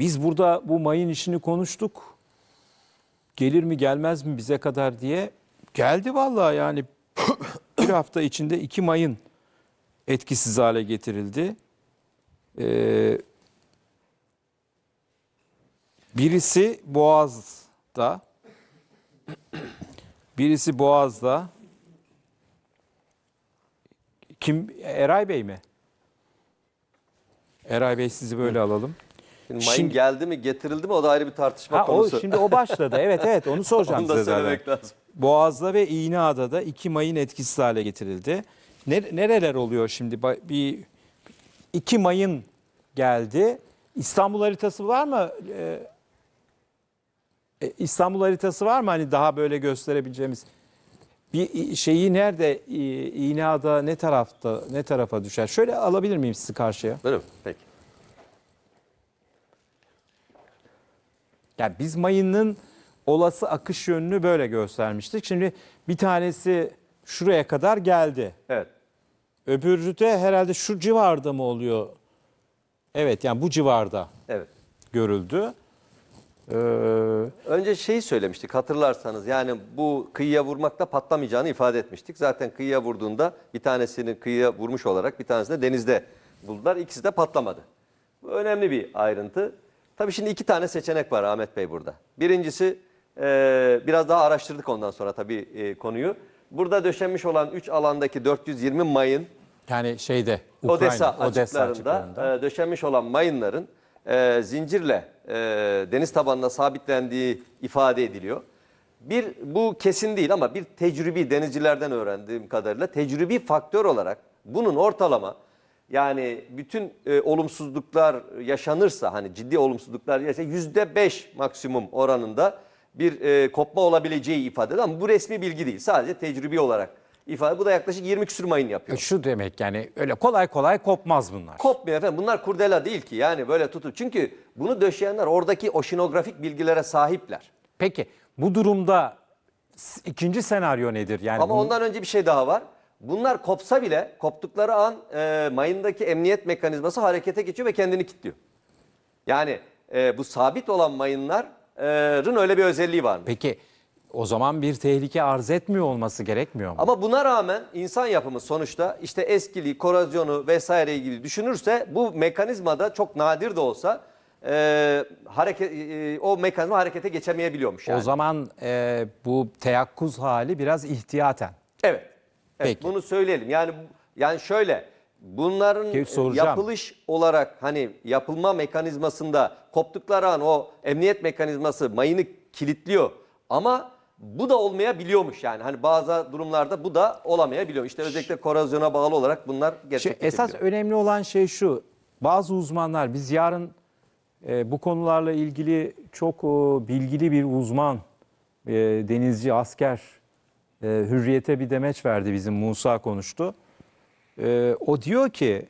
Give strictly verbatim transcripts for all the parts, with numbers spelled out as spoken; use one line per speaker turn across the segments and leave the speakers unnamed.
Biz burada bu mayın işini konuştuk. Gelir mi gelmez mi bize kadar diye. Geldi vallahi yani bir hafta içinde iki mayın etkisiz hale getirildi. Ee, birisi Boğaz'da, birisi Boğaz'da. Kim? Eray Bey mi? Eray Bey sizi böyle alalım.
Şimdi mayın
Şimdi-
geldi mi getirildi mi o da ayrı bir tartışma
Ha, o,
konusu.
şimdi o başladı. Evet evet onu soracağım
Onu da
size zaten.
söylemek lazım.
Boğaz'da ve İğneada'da iki mayın etkisiz hale getirildi. Ne- Nereler oluyor şimdi? Ba- Bir iki mayın geldi. İstanbul haritası var mı? Ee, e, İstanbul haritası var mı? Hani daha böyle gösterebileceğimiz bir şeyi nerede? İ- İğneada ne tarafta ne tarafa düşer? Şöyle alabilir miyim sizi karşıya?
Değil mi? Peki.
Yani biz mayının olası akış yönünü böyle göstermiştik. Şimdi bir tanesi şuraya kadar geldi.
Evet.
Öbürü de herhalde şu civarda mı oluyor? Evet yani bu civarda
Evet.
görüldü. Ee,
Önce şeyi söylemiştik hatırlarsanız, yani bu kıyıya vurmakla patlamayacağını ifade etmiştik. Zaten kıyıya vurduğunda bir tanesini kıyıya vurmuş olarak bir tanesini de denizde buldular. İkisi de patlamadı. Bu önemli bir ayrıntı. Tabii şimdi iki tane seçenek var Ahmet Bey burada. Birincisi e, biraz daha araştırdık ondan sonra tabii e, konuyu. Burada döşenmiş olan üç alandaki dört yüz yirmi mayın
yani şeyde Ukrayna,
Odessa açıklarında,
açıklarında.
e, döşenmiş olan mayınların e, zincirle e, deniz tabanına sabitlendiği ifade ediliyor. Bir bu kesin değil ama bir tecrübi, denizcilerden öğrendiğim kadarıyla tecrübi faktör olarak bunun ortalama, yani bütün e, olumsuzluklar yaşanırsa, hani ciddi olumsuzluklar yaşanırsa yüzde beş maksimum oranında bir e, kopma olabileceği ifade edilir. Ama bu resmi bilgi değil, sadece tecrübi olarak ifade. Bu da yaklaşık yirmi küsür mayın yapıyor.
Şu demek yani öyle kolay kolay kopmaz bunlar.
Kopmuyor efendim. Bunlar kurdela değil ki. Yani böyle tutup. Çünkü bunu döşeyenler oradaki oşinografik bilgilere sahipler.
Peki bu durumda s- ikinci senaryo nedir? Yani
Ama
bu-
ondan önce bir şey daha var. Bunlar kopsa bile koptukları an e, mayındaki emniyet mekanizması harekete geçiyor ve kendini kilitliyor. Yani e, bu sabit olan mayınların öyle bir özelliği var.
Peki o zaman bir tehlike arz etmiyor olması gerekmiyor mu?
Ama buna rağmen insan yapımı sonuçta işte eskiliği, korozyonu vesaire ilgili düşünürse bu mekanizmada çok nadir de olsa e, hareket e, o mekanizma harekete geçemeyebiliyormuş yani.
O zaman e, bu teyakkuz hali biraz ihtiyaten.
Evet. Evet,
Peki.
bunu söyleyelim. Yani yani şöyle bunların
Ki soracağım.
yapılış olarak hani yapılma mekanizmasında koptukları an o emniyet mekanizması mayını kilitliyor ama bu da olmayabiliyormuş yani. Hani bazı durumlarda bu da olamayabiliyor. İşte özellikle korozyona bağlı olarak bunlar
Şey,
gerçekleşebiliyor.
esas önemli olan şey şu. Bazı uzmanlar biz yarın e, bu konularla ilgili çok e, bilgili bir uzman, e, denizci, asker, e, Hürriyet'e bir demeç verdi, bizim Musa konuştu. E, o diyor ki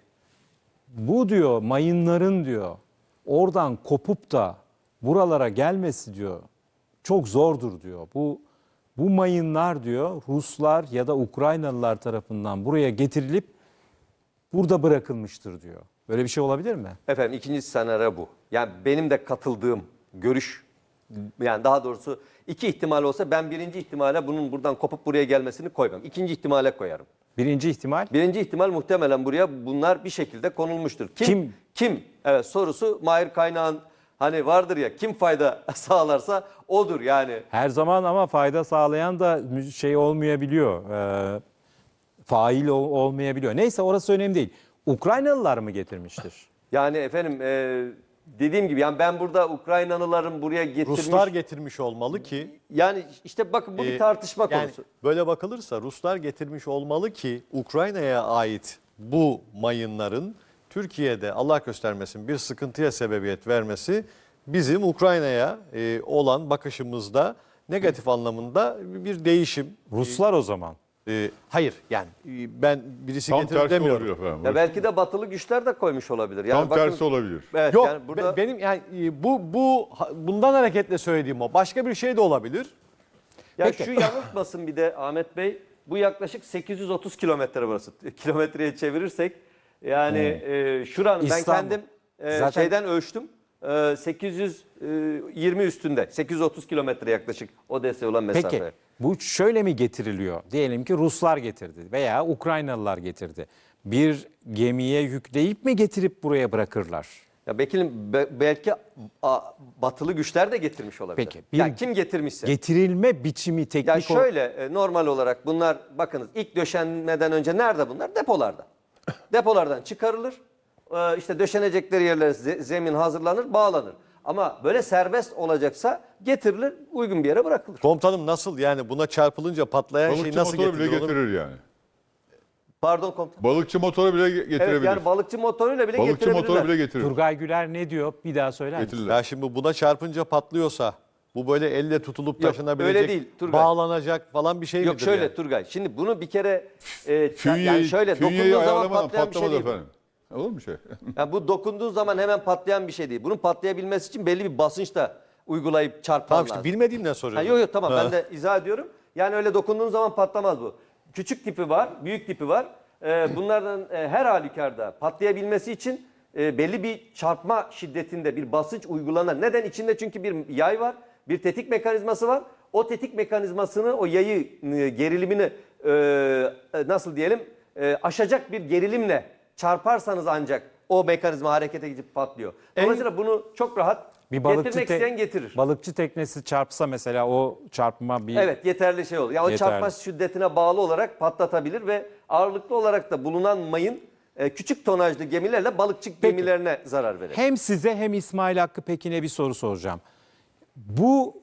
bu diyor mayınların diyor oradan kopup da buralara gelmesi diyor çok zordur diyor. Bu bu mayınlar diyor Ruslar ya da Ukraynalılar tarafından buraya getirilip burada bırakılmıştır diyor. Böyle bir şey olabilir mi?
Efendim ikinci senaryo bu. Yani benim de katıldığım görüş, yani daha doğrusu iki ihtimal olsa ben birinci ihtimale bunun buradan kopup buraya gelmesini koymam. İkinci ihtimale koyarım.
Birinci ihtimal
Birinci ihtimal muhtemelen buraya bunlar bir şekilde konulmuştur. Kim?
Kim?
Kim? Evet, sorusu Mahir Kaynağ'ın hani vardır ya, kim fayda sağlarsa odur yani.
her zaman ama fayda sağlayan da şey olmayabiliyor. E, fail ol- olmayabiliyor. Neyse orası önemli değil. Ukraynalılar mı getirmiştir?
Yani efendim e, dediğim gibi yani ben burada Ukraynalıların buraya getirmiş.
Ruslar getirmiş olmalı ki
Yani işte bakın bu bir
e,
tartışma
yani
konusu.
böyle bakılırsa Ruslar getirmiş olmalı ki Ukrayna'ya ait bu mayınların Türkiye'de Allah göstermesin bir sıkıntıya sebebiyet vermesi bizim Ukrayna'ya e, olan bakışımızda negatif anlamında bir değişim.
Ruslar o zaman.
E, hayır yani e, ben birisi
Tam
getirdi
tersi
demiyorum.
olabilir efendim.
Ya belki de batılı güçler de koymuş olabilir. Yani
Tam
bakın-
tersi olabilir.
Evet,
Yok
yani burada
be- benim yani e, bu bu bundan hareketle söylediğim o. Başka bir şey de olabilir.
ya
Peki.
şu yanıltmasın bir de Ahmet Bey, bu yaklaşık sekiz yüz otuz kilometre burası. Kilometreye çevirirsek yani e, şuranın ben
İstanbul.
kendim e,
Zaten-
şeyden ölçtüm. e, sekiz yüz yirmi üstünde. sekiz yüz otuz kilometre yaklaşık Odessa'ya olan mesafe.
Peki bu şöyle mi getiriliyor? Diyelim ki Ruslar getirdi veya Ukraynalılar getirdi. Bir gemiye yükleyip mi getirip buraya bırakırlar?
Ya belki, belki a, batılı güçler de getirmiş olabilir.
Peki, bir
ya kim getirmişse.
Getirilme biçimi teknik
Ya
olarak-
şöyle e, normal olarak bunlar bakınız ilk döşenmeden önce nerede bunlar? Depolarda. Depolardan çıkarılır. E, işte döşenecekleri yerlere ze- zemin hazırlanır, bağlanır. Ama böyle serbest olacaksa getirilir, uygun bir yere bırakılır.
Komutanım nasıl yani buna çarpılınca patlayan şey
Balıkçı
nasıl
motoru bile
getirilir? Onu-
getirir yani.
Pardon komutan.
Balıkçı motoru bile ge- getirebilir.
Evet yani balıkçı motoruyla bile
Balıkçı
getirebilirler.
motoru bile getirir.
Turgay Güler ne diyor? Bir daha söyler misin?
Getirirler.
Ya şimdi buna çarpınca patlıyorsa bu böyle elle tutulup
Yok,
taşınabilecek,
öyle değil, Turgay.
bağlanacak falan bir şey
Yok
midir
şöyle
yani?
Turgay. Şimdi bunu bir kere e,
Fünyeyi,
yani şöyle
fünyeyi
dokunduğun zaman
ayarlamadan
patlayan bir şey
patlamadı
değil. bu.
efendim. Olur mu şey?
Yani bu dokunduğun zaman hemen patlayan bir şey değil. Bunun patlayabilmesi için belli bir basınç da uygulayıp çarpman
Tamam
lazım.
işte bilmediğimden
Ha,
soruyorum.
yok yok tamam
Ha.
ben de izah ediyorum. Yani öyle dokunduğun zaman patlamaz bu. Küçük tipi var, büyük tipi var. Ee, bunlardan e, her halükarda patlayabilmesi için e, belli bir çarpma şiddetinde bir basınç uygulanır. Neden? İçinde çünkü bir yay var, bir tetik mekanizması var. O tetik mekanizmasını, o yayı e, gerilimini e, e, nasıl diyelim e, aşacak bir gerilimle çarparsanız ancak o mekanizma harekete geçip patlıyor. Dolayısıyla bunu çok rahat
Bir balıkçı,
getirmek
te-
isteyen getirir.
balıkçı teknesi çarpsa mesela o çarpma bir...
Evet yeterli şey olur. Ya o
Yeterli.
çarpma şiddetine bağlı olarak patlatabilir ve ağırlıklı olarak da bulunan mayın e, küçük tonajlı gemilerle balıkçı gemilerine zarar verir.
Hem size hem İsmail Hakkı Pekin'e bir soru soracağım. Bu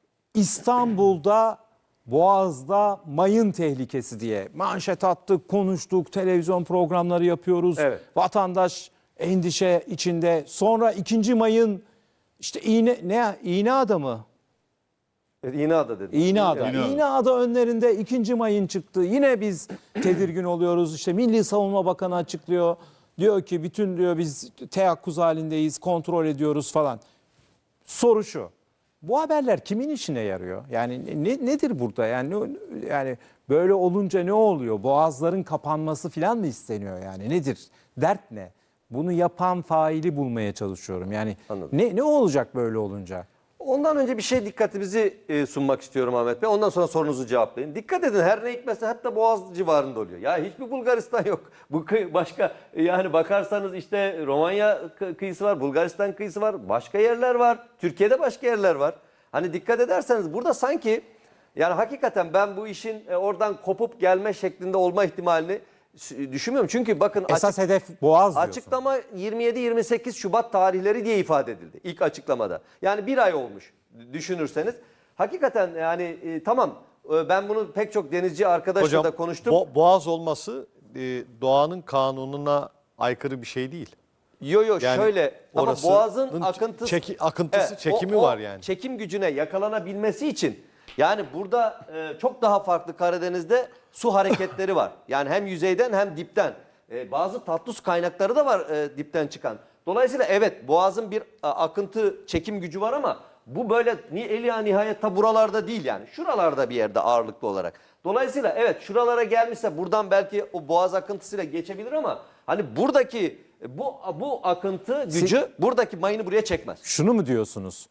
İstanbul'da Boğaz'da mayın tehlikesi diye manşet attık, konuştuk, televizyon programları yapıyoruz.
Evet.
Vatandaş endişe içinde. Sonra ikinci mayın işte iğne ne iğne adamı.
Evet, İğneada dedi.
İğneada.
İğneada.
İğneada önlerinde ikinci mayın çıktı. Yine biz tedirgin oluyoruz. İşte Milli Savunma Bakanı açıklıyor. Diyor ki bütün diyor biz teyakkuz halindeyiz, kontrol ediyoruz falan. Soru şu. Bu haberler kimin işine yarıyor? Yani ne, nedir burada? Yani ne- yani böyle olunca ne oluyor? Boğazların kapanması falan mı isteniyor yani? Nedir? Dert ne? Bunu yapan faili bulmaya çalışıyorum. Yani
Anladım.
ne ne olacak böyle olunca?
Ondan önce bir şey dikkatimizi e, sunmak istiyorum Ahmet Bey. Ondan sonra sorunuzu cevaplayın. Dikkat edin her ne hikmetse hatta Boğaz civarında oluyor. Ya hiçbir Bulgaristan yok. Bu kıy- başka e, yani bakarsanız işte Romanya kı- kıyısı var, Bulgaristan kıyısı var, başka yerler var. Türkiye'de başka yerler var. Hani dikkat ederseniz burada sanki yani hakikaten ben bu işin e, oradan kopup gelme şeklinde olma ihtimalini s- düşünmüyorum. Çünkü bakın
Esas hedef Boğaz diyorsun.
Açıklama yirmi yedi yirmi sekiz Şubat tarihleri diye ifade edildi ilk açıklamada. Yani bir ay olmuş düşünürseniz. Hakikaten yani e, tamam e, ben bunu pek çok denizci arkadaşla
Hocam
da konuştum.
bo- boğaz olması e, doğanın kanununa aykırı bir şey değil.
Yo yo
Yani
şöyle ama
orasının
boğazın akıntısı,
çeki- akıntısı,
Evet,
çekimi
o- o
var yani.
Çekim gücüne yakalanabilmesi için yani burada e, çok daha farklı Karadeniz'de su hareketleri var. Yani hem yüzeyden hem dipten. E, bazı tatlı su kaynakları da var e, dipten çıkan. Dolayısıyla evet boğazın bir a, akıntı çekim gücü var ama bu böyle ni eli nihayet ta buralarda değil yani. Şuralarda bir yerde ağırlıklı olarak. Dolayısıyla evet şuralara gelmişse buradan belki o boğaz akıntısıyla geçebilir ama hani buradaki bu bu akıntı gücü buradaki mayını buraya çekmez.
Şunu mu diyorsunuz?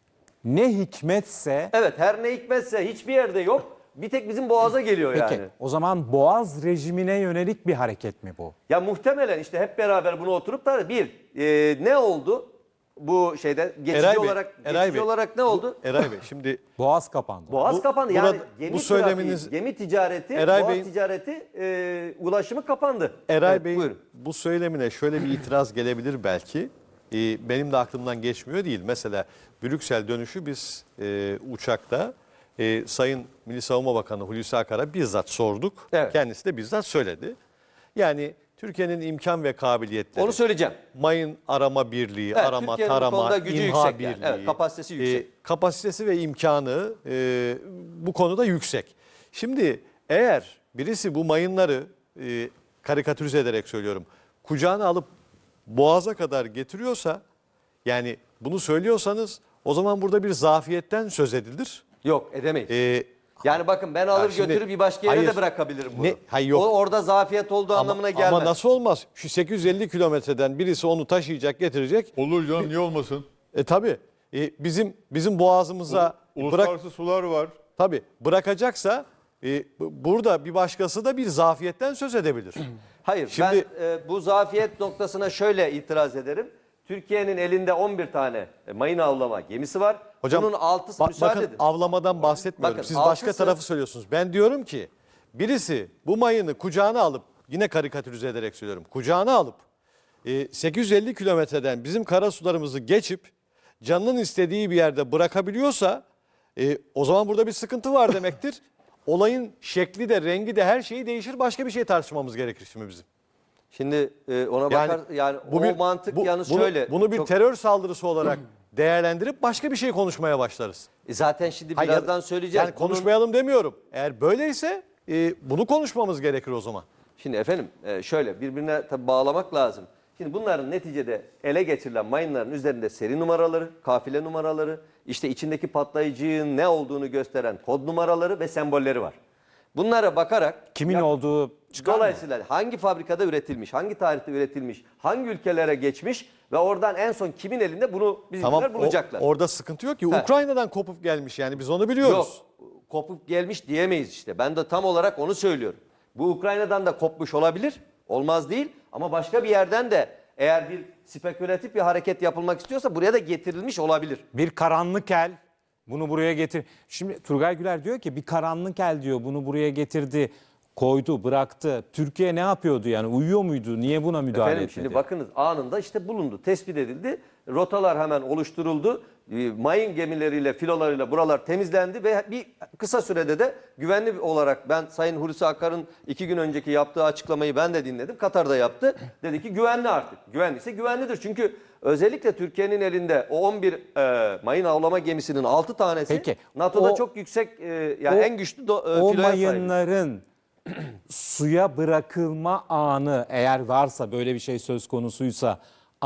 Ne hikmetse
Evet her ne hikmetse hiçbir yerde yok. Bir tek bizim boğaza geliyor
peki
yani.
o zaman Boğaz rejimine yönelik bir hareket mi bu?
Ya muhtemelen işte hep beraber bunu oturup da bir e, ne oldu bu şeyde geçici
Eray Bey,
olarak
Eray
geçici
Bey,
olarak ne oldu?
Eray Bey şimdi
Boğaz kapandı.
Boğaz
Bu-
kapandı.
burada-
Yani gemi
bu
trafiği,
söyleminiz-
gemi ticareti,
Eray
boğaz
Bey'in-
ticareti e, ulaşımı kapandı.
Eray
Evet,
Bey'in
buyurun.
bu söylemine şöyle bir itiraz gelebilir belki. Ee, benim de aklımdan geçmiyor değil. Mesela Brüksel dönüşü biz e, uçakta e, Sayın Milli Savunma Bakanı Hulusi Akar'a bizzat sorduk.
Evet.
Kendisi de bizzat söyledi. Yani Türkiye'nin imkan ve kabiliyetleri,
Onu söyleyeceğim.
mayın arama birliği,
Evet,
arama,
Türkiye'nin bu
tarama,
konuda gücü
imha
yüksek yani.
birliği.
Evet, kapasitesi yüksek.
e, kapasitesi ve imkanı e, bu konuda yüksek. Şimdi eğer birisi bu mayınları e, karikatürize ederek söylüyorum, kucağına alıp boğaza kadar getiriyorsa, yani bunu söylüyorsanız o zaman burada bir zafiyetten söz edilir.
Yok edemeyiz.
E,
yani bakın ben alır
şimdi-
götürür bir başka yere
hayır.
de bırakabilirim bunu.
Ne? Hayır, yok.
O orada zafiyet olduğu
ama,
anlamına gelmez.
ama nasıl olmaz? Şu sekiz yüz elli kilometreden birisi onu taşıyacak, getirecek.
Olur canım niye olmasın?
E tabii. E, bizim bizim boğazımıza bırak
Uluslararası sular var.
tabii bırakacaksa e, bu- burada bir başkası da bir zafiyetten söz edebilir.
Hayır,
Şimdi-
ben e, bu zafiyet noktasına şöyle itiraz ederim. Türkiye'nin elinde on bir tane e, mayın avlama gemisi var.
Hocam
Bunun altısı
ba-
müsaade
bakın
edin.
avlamadan bahsetmiyorum.
Bakın,
Siz başka
altısı-
tarafı söylüyorsunuz. Ben diyorum ki birisi bu mayını kucağına alıp yine karikatürize ederek söylüyorum. Kucağına alıp e, sekiz yüz elli kilometreden bizim karasularımızı geçip canının istediği bir yerde bırakabiliyorsa e, o zaman burada bir sıkıntı var demektir. Olayın şekli de rengi de her şeyi değişir. Başka bir şey tartışmamız gerekir şimdi bizim.
Şimdi e, ona
Yani
bakar yani
bu
o
bir-
mantık
bu-
yalnız
bunu,
şöyle.
Bunu bir
çok-
terör saldırısı olarak değerlendirip başka bir şey konuşmaya başlarız.
E, zaten şimdi
Hayır,
birazdan söyleyeceğiz.
Yani
Bunun-
konuşmayalım demiyorum. Eğer böyleyse e, bunu konuşmamız gerekir o zaman.
Şimdi efendim e, şöyle birbirine tabii bağlamak lazım. Şimdi bunların neticede ele geçirilen mayınların üzerinde seri numaraları, kafile numaraları, işte içindeki patlayıcının ne olduğunu gösteren kod numaraları ve sembolleri var. Bunlara bakarak
Kimin
ya-
olduğu çıkar mı?
dolayısıyla hangi fabrikada üretilmiş, hangi tarihte üretilmiş, hangi ülkelere geçmiş ve oradan en son kimin elinde bunu bizimkiler
Tamam o-
bulacaklar.
orada sıkıntı yok ki.
He.
Ukrayna'dan kopup gelmiş yani biz onu biliyoruz.
Yok, kopup gelmiş diyemeyiz işte. Ben de tam olarak onu söylüyorum. Bu Ukrayna'dan da kopmuş olabilir, olmaz değil. Ama başka bir yerden de eğer bir spekülatif bir hareket yapılmak istiyorsa buraya da getirilmiş olabilir.
Bir karanlık el bunu buraya getir. Şimdi Turgay Güler diyor ki bir karanlık el diyor bunu buraya getirdi, koydu, bıraktı. Türkiye ne yapıyordu yani uyuyor muydu? Niye buna müdahale
Efendim
etmedi?
şimdi bakınız anında işte bulundu, tespit edildi. Rotalar hemen oluşturuldu. E, Mayın gemileriyle, filolarıyla buralar temizlendi ve bir kısa sürede de güvenli olarak ben Sayın Hulusi Akar'ın iki gün önceki yaptığı açıklamayı ben de dinledim. Katar'da yaptı. Dedi ki güvenli artık. Güvenliyse güvenlidir. Çünkü özellikle Türkiye'nin elinde o on bir e, mayın avlama gemisinin altı tanesi
Peki,
NATO'da
o-
çok yüksek e, yani
o-
en güçlü do, e,
O
filoya sahip.
mayınların suya bırakılma anı eğer varsa böyle bir şey söz konusuysa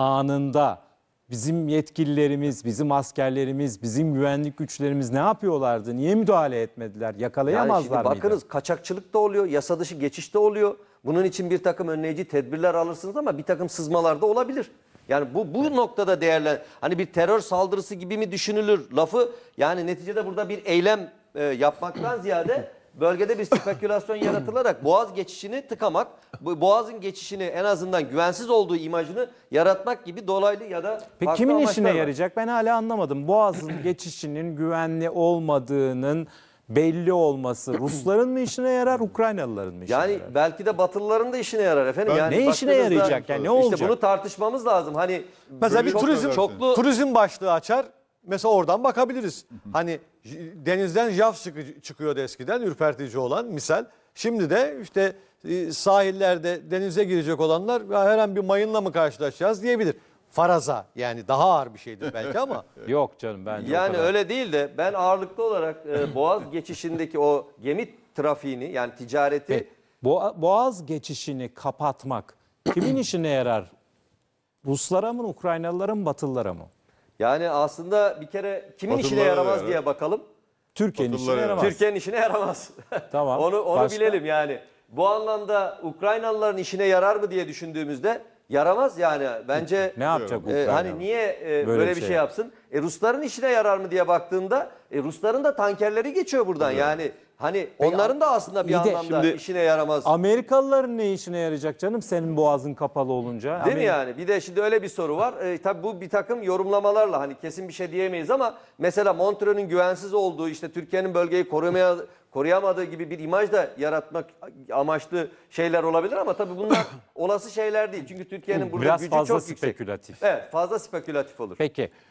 anında bizim yetkililerimiz, bizim askerlerimiz, bizim güvenlik güçlerimiz ne yapıyorlardı? Niye müdahale etmediler?
Yani
Yakalayamazlar
şimdi
mıydı?
bakınız kaçakçılık da oluyor, yasa dışı geçiş de oluyor. Bunun için bir takım önleyici tedbirler alırsınız ama bir takım sızmalar da olabilir. Yani bu bu noktada değerlen hani bir terör saldırısı gibi mi düşünülür lafı yani neticede burada bir eylem e, yapmaktan ziyade bölgede bir spekülasyon yaratılarak boğaz geçişini tıkamak, bu boğazın geçişini en azından güvensiz olduğu imajını yaratmak gibi dolaylı ya da
Peki
farklı
kimin
amaçlar
işine
var.
yarayacak? Ben hala anlamadım. Boğaz'ın geçişinin güvenli olmadığının belli olması Rusların mı işine yarar, Ukraynalıların mı işine
Yani
yarar?
belki de Batılıların da işine yarar efendim.
Ben-
Yani
Ne işine
baktığınızda
yarayacak yani, ne
işte
olacak?
bunu tartışmamız lazım. Hani
Mesela bir
Çok
turizm
affedersin.
çoklu
turizm başlığı açar. Mesela oradan bakabiliriz. Hani j- denizden jav çıkı- çıkıyordu eskiden ürpertici olan misal. Şimdi de işte e, sahillerde denize girecek olanlar "Ya her an bir mayınla mı karşılaşacağız diyebilir. Faraza yani daha ağır bir şeydir belki ama
Yok canım bence o
yani
kadar.
öyle değil de ben ağırlıklı olarak e, Boğaz geçişindeki o gemi trafiğini yani ticareti
Peki, Boğa- Boğaz geçişini kapatmak kimin işine yarar? Ruslara mı, Ukraynalılara mı, Batılılara mı?
yani aslında bir kere kimin işine
Batılılara da
yaramaz
yarar.
diye bakalım.
Türkiye'nin işine
Batılılara
yaramaz.
Türkiye'nin işine yaramaz.
Tamam.
onu onu
Başka?
bilelim yani. Bu anlamda Ukraynalıların işine yarar mı diye düşündüğümüzde yaramaz yani. Bence
Ne yapacak
e,
Ukrayna?
hani niye e, böyle,
Böyle
bir
bir
şey,
şey
yapsın? E, Rusların işine yarar mı diye baktığında e, Rusların da tankerleri geçiyor buradan. Yani hani onların da aslında bir
iyi de
anlamda
şimdi-
işine yaramaz.
Amerikalıların ne işine yarayacak canım senin boğazın kapalı olunca?
Değil mi
Amerika-
yani? Bir de şimdi öyle bir soru var. E, tabii bu bir takım yorumlamalarla hani kesin bir şey diyemeyiz ama mesela Montreux'ün güvensiz olduğu işte Türkiye'nin bölgeyi korumaya koruyamadığı gibi bir imaj da yaratmak amaçlı şeyler olabilir ama tabii bunlar olası şeyler değil. Çünkü Türkiye'nin burada
Biraz
gücü
fazla
çok yüksek.
spekülatif.
Evet, fazla spekülatif olur.
Peki